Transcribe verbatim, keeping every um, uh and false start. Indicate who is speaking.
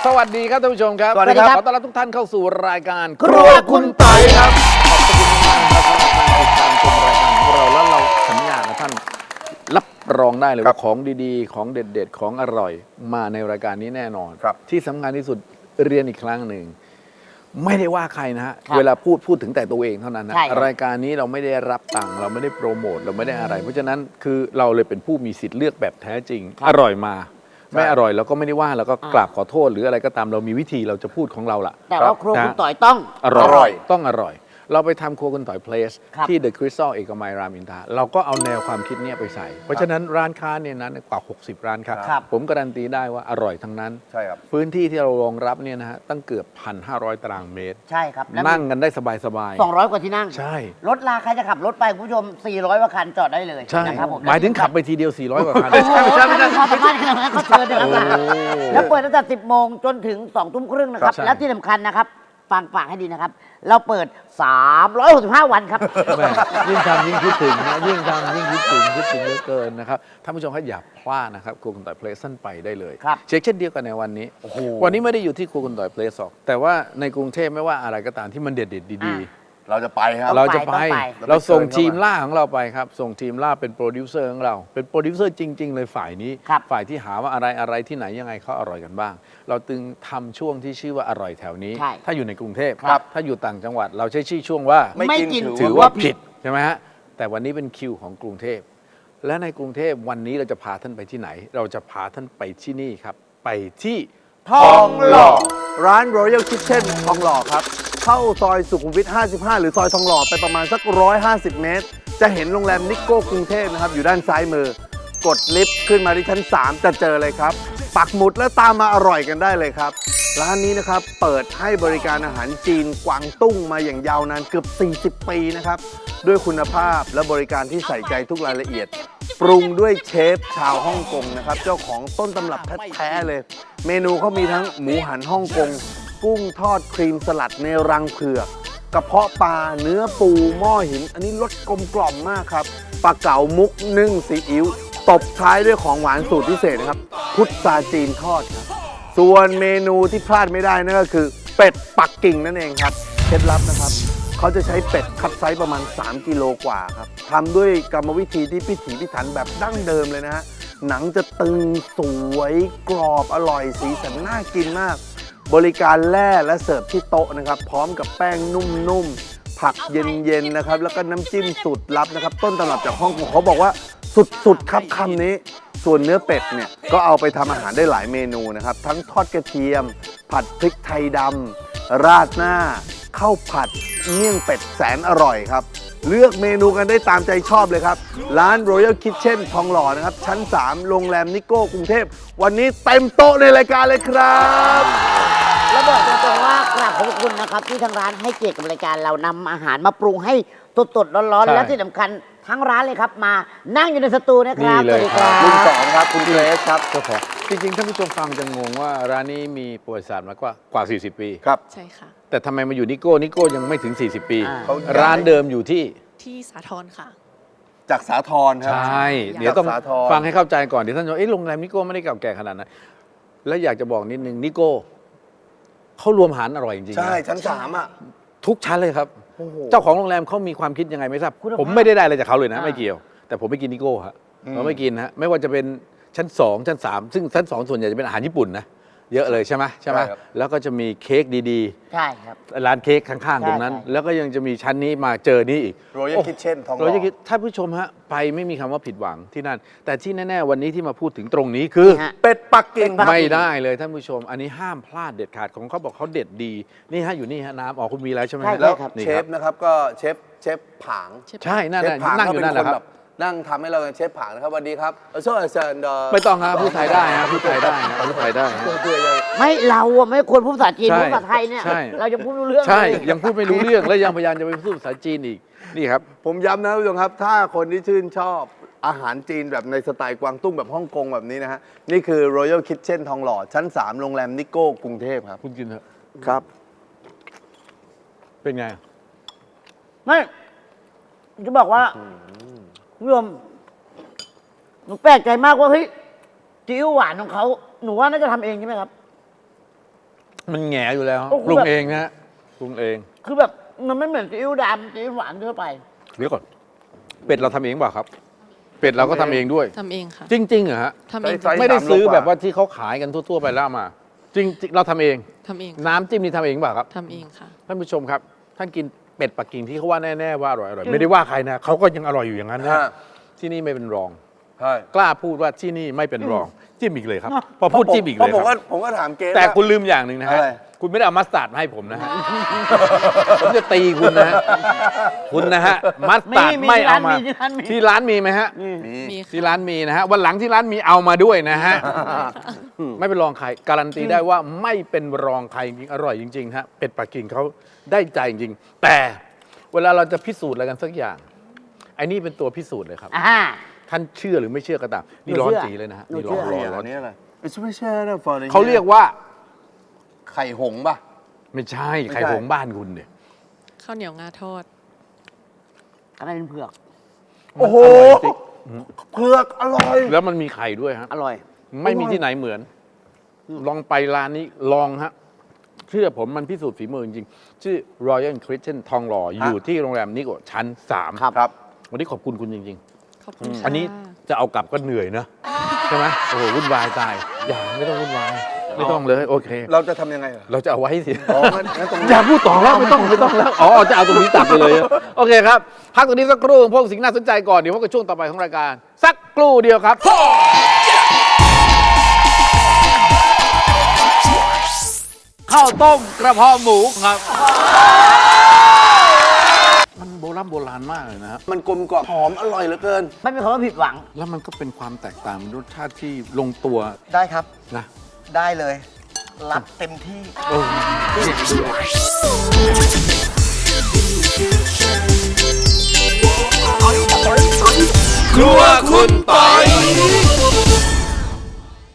Speaker 1: สวัสดีครับท่านผู้ชมครับ
Speaker 2: สวัสดีครับ
Speaker 1: ขอต้อนรับทุกท่านเข้าสู่รายการ
Speaker 2: ครัวคุณต่อยครับ
Speaker 1: ขอบคุณมากครับสำหรับการติดตามชมรายการของเราแล้วเราสัญญานะท่านรับรองได้เลยว่าของดีๆ ของเด็ดๆ ของอร่อยมาในรายการนี้แน่นอน ที่สำคัญที่สุดเรียนอีกครั้งหนึ่งไม่ได้ว่าใครนะฮะเวลาพูดพูดถึงแต่ตัวเองเท่านั้นนะรายการนี้เราไม่ได้รับตังค์เราไม่ได้โปรโมทเราไม่ได้อะไร เพราะฉะนั้นคือเราเลยเป็นผู้มีสิทธิ์เลือกแบบแท้จริงอร่อยมาไม่อร่อยเราก็ไม่ได้ว่าเราก็กราบขอโทษหรืออะไรก็ตามเรามีวิธีเราจะพูดของเราล่ะ
Speaker 2: แต่ว่าครัวคุณต่อยต้อง
Speaker 1: อร่อยต้องอร่อยเราไปทำครัวคุณต่อยเพลสที่ The Crystal เอกมัยรามอินทราเราก็เอาแนวความคิดเนี้ยไปใส่เพราะฉะนั้นร้านค้าเนี่ยนั้นกว่าหกสิบร้านค้าผมการันตีได้ว่าอร่อยทั้งนั้น
Speaker 3: ใช่ครับ
Speaker 1: พื้นที่ที่เรารองรับเนี่ยนะฮะตั้งเกือบ หนึ่งพันห้าร้อย ตารางเมตร
Speaker 2: ใช่ครับ
Speaker 1: นั่งกันได้สบายสบาย
Speaker 2: สองร้อยกว่าที่นั่ง
Speaker 1: ใช่
Speaker 2: รถลาใครจะขับรถไปคุณผู้ชมสี่ร้อยกว่าคันจอดได้เลย
Speaker 1: ใช่
Speaker 2: นะครับผม
Speaker 1: หมายถึงขับไปทีเดียวสี่ร้อยกว่าคัน
Speaker 2: ไม่ใช่ไม่ใช่ไม่ใช่เขาสามารถขนาดนั้นเขาเชิญนะครับแล้วเปิดตั้งแต่สิบโมงจนถึงสองทุ่มครึ่งนะครับและที่สำคัญนะครับฟังฝากให้ดีนะครับเราเปิดสามร้อยหกสิบห้าวันครับ
Speaker 1: ยิ่งทำยิ่งคิดถึงนะยิ่งทำยิ่งคิดถึงคิดถึงเยอะเกินนะครับท่านผู้ชมครับอย่าพลาดนะครับครัวคุณต่อยเพลสสั้นไปได้เลยเช็คเช่นเดียวกันในวันนี้วันนี้ไม่ได้อยู่ที่ครัวคุณต่อยเพลสหรอกแต่ว่าในกรุงเทพไม่ว่าอะไรก็ตามที่มันเด็ดๆดีๆ
Speaker 3: เราจะไปครับ
Speaker 1: เราจะไปเราส่งทีมล่าของเราไปครับส่งทีมล่าเป็นโปรดิวเซอร์ของเราเป็นโปรดิวเซอร์จริงๆเลยฝ่ายนี้ฝ่ายที่หาว่าอะไรอะไรที่ไหนยังไงเขาอร่อยกันบ้างเราตึงทำช่วงที่ชื่อว่าอร่อยแถวนี้ถ้าอยู่ในกรุงเทพถ้าอยู่ต่างจังหวัดเราใช้ชื่อช่วงว่า
Speaker 2: ไม่กิน
Speaker 1: ถือว่าผิดใช่ไหมฮะแต่วันนี้เป็นคิวของกรุงเทพและในกรุงเทพวันนี้เราจะพาท่านไปที่ไหนเราจะพาท่านไปที่นี่ครับไปที่
Speaker 3: ทองหล่อร้าน Royal Kitchen ทองหล่อครับเข้าซอยสุขุมวิทห้าสิบห้าหรือซอยทองหล่อไปประมาณสักหนึ่งร้อยห้าสิบเมตรจะเห็นโรงแรมนิโก้กรุงเทพนะครับอยู่ด้านซ้ายมือกดลิฟต์ขึ้นมาที่ชั้นสามจะเจอเลยครับปักหมุดแล้วตามมาอร่อยกันได้เลยครับร้านนี้นะครับเปิดให้บริการอาหารจีนกวางตุ้งมาอย่างยาวนานเกือบสี่สิบปีนะครับด้วยคุณภาพและบริการที่ใส่ใจทุกรายละเอียดปรุงด้วยเชฟชาวฮ่องกงนะครับเจ้าของต้นตำรับแท้ๆเลยเมนูเขามีทั้งหมูหันฮ่องกงกุ้งทอดครีมสลัดในรังเผือกกระเพาะปลาเนื้อปูหม้อหินอันนี้รสกลมกล่อมมากครับปลาเก๋ามุกนึ่งซีอิ๊วตบท้ายด้วยของหวานสูตรพิเศษนะครับพุทราจีนทอดครับส่วนเมนูที่พลาดไม่ได้นั่นก็คือเป็ดปักกิ่งนั่นเองครับเคล็ดลับนะครับเขาจะใช้เป็ดคัดไซส์ประมาณสามกิโลกว่าครับทำด้วยกรรมวิธีที่พิถีพิถันแบบดั้งเดิมเลยนะฮะหนังจะตึงสวยกรอบอร่อยสีสันน่ากินมากบริการแล่และเสิร์ฟที่โต๊ะนะครับพร้อมกับแป้งนุ่มๆผักเย็นๆนะครับแล้วก็น้ำจิ้มสูตรลับนะครับต้นตำรับจากฮ่องกงเขาบอกว่าสุดๆครับคำนี้ส่วนเนื้อเป็ดเนี่ยก็เอาไปทำอาหารได้หลายเมนูนะครับทั้งทอดกระเทียมผัดพริกไทยดำราดหน้าข้าวผัดเมี่ยงเป็ดแสนอร่อยครับเลือกเมนูกันได้ตามใจชอบเลยครับร้าน Royal Kitchen ทองหล่อนะครับชั้นสามโรงแรมนิโก้กรุงเทพวันนี้เต็มโต๊ะในรายการเลยครับ
Speaker 2: แล้วบอกตรงๆว่ากราบขอบคุณนะครับที่ทางร้านให้เกียรติกับรายการเรานำอาหารมาปรุงให้สดๆร้อนๆและที่สำคัญทั้งร้านเลยครับมานั่งอยู่ในสตูนะครับ
Speaker 1: สวัสดี
Speaker 2: ครับ
Speaker 3: คุณสองครับคุณเกรซครับ
Speaker 1: เจ้าของจริงๆท่านผู้ชมฟังจะงงว่าร้านนี้มีประวัติศาสตร์มากกว่ากว่าสี่สิบปี
Speaker 3: ครับ
Speaker 4: ใช่ค่ะ
Speaker 1: แต่ทำไมมาอยู่นิโก้นิโก้ยังไม่ถึงสี่สิบปีร้านเดิมอยู่ที่
Speaker 4: ที่สาทรค่ะ
Speaker 3: จากสาทรครับ
Speaker 1: ใช่เดี๋ยวต้องฟังให้เข้าใจก่อนเดี๋ยวท่านจะเอ๊ะโรงแรมนิโก้ไม่ได้เก่าแก่ขนาดนั้นแล้วอยากจะบอกนิดนึงนิโก้เขารวมอาหารอร่อยจริงๆ
Speaker 3: ใช่ชั้นสามอ่ะ
Speaker 1: ทุกชั้นเลยครับเจ้าของโรงแรมเขามีความคิดยังไงไม่ทราบผมไม่ได้ได้อะไรจากเขาเลยนะไม่เกี่ยวแต่ผมไม่กินนิโก้ฮะเราไม่กินฮะไม่ว่าจะเป็นชั้นสองชั้นสามซึ่งชั้นสองส่วนใหญ่จะเป็นอาหารญี่ปุ่นนะเยอะเลยใช่ไหมใช่ไหมแล้วก็จะมีเค้กดี
Speaker 2: ๆใช่ครับ
Speaker 1: ร้านเค้กข้างๆตรงนั้นแล้วก็ยังจะมีชั้นนี้มาเจอนี้อีก
Speaker 3: Royal Kitchen ทองหล่อ
Speaker 1: Royal Kitchen ท่านผู้ชมฮะไปไม่มีคำว่าผิดหวังที่นั่นแต่ที่แน่ๆวันนี้ที่มาพูดถึงตรงนี้คือ
Speaker 3: เป็ดปักกิ่ง
Speaker 1: ไม่ได้เลยท่านผู้ชมอันนี้ห้ามพลาดเด็ดขาดของเขาบอกเขาเด็ดดีนี่ฮะอยู่นี่ฮะน้ำอ๋อคุณมีแล้วใช่ไหม
Speaker 3: แล้วเชฟนะครับก็เชฟเชฟผาง
Speaker 1: ใช่นั่นนั่งอยู่นั่นแหละครับ
Speaker 3: นั่งทำให้เราเชฟผางนะครับสวัสดีครับเออเชิญ
Speaker 1: ไม่ต้องครับพูดไทยได้นะพูดไทยได้นะพูดไทยได้
Speaker 2: ไม่เราอะไม่ควรพูดภาษาจีนพูดภาษาไทยเนี่ยเรายังพูดไม่รู้เรื่อง
Speaker 1: ใช่ยังพูดไม่รู้เรื่องและยังพยายามจะไปพูดภาษาจีนอีกนี่ครับ
Speaker 3: ผมย้ำนะผู้ชมครับถ้าคนที่ชื่นชอบอาหารจีนแบบในสไตล์กวางตุ้งแบบฮ่องกงแบบนี้นะฮะนี่คือ Royal Kitchen ทองหล่อชั้นสามโรงแรมนิโก้กรุงเทพครับ
Speaker 1: คุณกินเถอะ
Speaker 3: ครับ
Speaker 1: เป็นไง
Speaker 2: ไม่จะบอกว่าคุณผู้ชมหนูแปลกใจมากว่าเฮ้ยซีอิ๊วหวานของเขาหนูว่าน่าจะทำเองใช่ไหมครับ
Speaker 1: มันแหงอยู่แล้ว
Speaker 2: โอ้โห
Speaker 1: ปรุงเองนะฮะปรุงเอง
Speaker 2: คือแบบมันไม่เหมือนซีอิ๊วดำซีอิ๊วหวานทั่วไป
Speaker 1: เดี๋ยวก่อน เป็ดเราทำเองเปล่าครับ เป็ดเราก็ทำเองด้วย
Speaker 4: ทำเองค่ะ
Speaker 1: จริงๆเหรอฮะ
Speaker 4: ทำเอง
Speaker 3: ไซส์
Speaker 1: ไม่ได้
Speaker 3: สามโล
Speaker 1: ซื้อก
Speaker 3: ว่า
Speaker 1: แบบว่าที่เขาขายกันทั่ว ๆ ไปแล้วมา จริงๆเราทำเอง
Speaker 4: ทำเอง
Speaker 1: น้ำจิ้มนี่ทำเองเปล่าครับ
Speaker 4: ทำเองค่ะ
Speaker 1: ท่านผู้ชมครับ ท่านกินเป็ดปักกิ่งที่เขาว่าแน่ๆว่าอร่อยอร่อยไม่ได้ว่าใครนะเขาก็ยังอร่อยอยู่อย่างนั้นนะ
Speaker 3: ฮะ
Speaker 1: ที่นี่ไม่เป็นรอง
Speaker 3: ใช่
Speaker 1: กล้าพูดว่าที่นี่ไม่เป็นรองจิ้มอีกเลยครับ พอพูดจิ้มอีกเลย
Speaker 3: ผม
Speaker 1: ค
Speaker 3: ก็
Speaker 1: รับ
Speaker 3: ผมก็ถามเกส
Speaker 1: แต่
Speaker 3: ว่า
Speaker 1: คุณลืมอย่างหนึ่งนะฮะ
Speaker 3: อะไร
Speaker 1: คุณไม่ได้เอามัสตาร์ดมาให้ผมนะฮะ ผมจะตีคุณนะฮะคุณนะฮะมัสตาร์ด
Speaker 2: มี
Speaker 1: ไม่เอามา
Speaker 2: ที่ร้านมี
Speaker 1: ที่ร้านมีไหมฮะ
Speaker 3: มี
Speaker 4: มี
Speaker 1: ที่
Speaker 4: ค่ะ
Speaker 1: ร้านมีนะฮะวันหลังที่ร้านมีเอามาด้วยนะฮะไม่เป็นรองใครการันตีได้ว่าไม่เป็นรองใครจริงอร่อยจริงๆฮะเป็ดปักกิ่งเขาได้ใจจริงๆแต่เวลาเราจะพิสูจน์อะไรกันสักอย่างไอ้นี่เป็นตัวพิสูจน์เลยครับ
Speaker 2: อ่า
Speaker 1: ท่านเชื่อหรือไม่เชื่อก็ตามนี่
Speaker 2: หนู
Speaker 1: ร้อน
Speaker 2: เชื่อ
Speaker 1: จีเลยนะฮะ
Speaker 2: หนู
Speaker 1: นี่ร้อน
Speaker 2: เชื่
Speaker 1: ร้อนร้อ
Speaker 3: อั
Speaker 1: น
Speaker 3: นนี้อะไร It's special for the
Speaker 1: เขาเรียกว่า
Speaker 3: ไข่หงส์ป่ะ
Speaker 1: ไม่ใช่
Speaker 3: ไม่ใช่
Speaker 1: ไข่หงส์บ้านคุณเนี่ย
Speaker 4: ข้าวเหนียวงาทอด
Speaker 2: อะไรเป็นเผือก
Speaker 3: โอ้โห
Speaker 1: มันร่ยจริง
Speaker 3: เผือกอร่อย
Speaker 1: แล้วมันมีไข่ด้วยฮะ
Speaker 2: อร่อย
Speaker 1: ไม่มีที่ไหนเหมือน ลองไปร้านนี้ลองฮะเชื่อผมมันพิสูจน์ฝีมือจริงๆชื่อ Royal Christian ทองหล่ออยู่ที่โรงแรมนิโกชั้นสาม
Speaker 2: ครับ
Speaker 3: ครับ
Speaker 1: วันนี้ขอบคุณคุณจริง
Speaker 4: ขอบคุณ
Speaker 1: ๆ
Speaker 4: ค่ะ
Speaker 1: อันนี้จะเอากลับก็เหนื่อยนะใช่ไหมโอ้โหวุ่นวายตาย อย่าไม่ต้องวุ่นวาย ไม่ต้องเลยโอเค
Speaker 3: เราจะทำยังไงอะ
Speaker 1: เราจะเอาไว้สิ
Speaker 3: อ๋องั้นงั้นตรง
Speaker 1: อ
Speaker 3: นี้
Speaker 1: ย่าพูดต่อแล้วไม่ต้องไม่ต้องแล้ว อ๋อ จะเอาตรงนี้ตัดไปเลยอะโอเคครับ พักตรงนี้สักครู่พวกสิ่งน่าสนใจก่อน เดี๋ยวพบกับช่วงต่อไปของรายการ สักครู่เดียวครับ ข้าวต้มกระเพาะหมูครับ มันโบราณโบราณมากเลยนะครับ
Speaker 3: มันกลมกล่อมหอมอร่อยเหลือเกิน
Speaker 2: ไม่มีคำว่าผิดหวัง
Speaker 1: แล้วมันก็เป็นความแตกต่างรสชาติที่ลงตัว
Speaker 5: ได้ครับ
Speaker 1: นะ
Speaker 5: ได้เลย รับเต็มที่
Speaker 1: เออ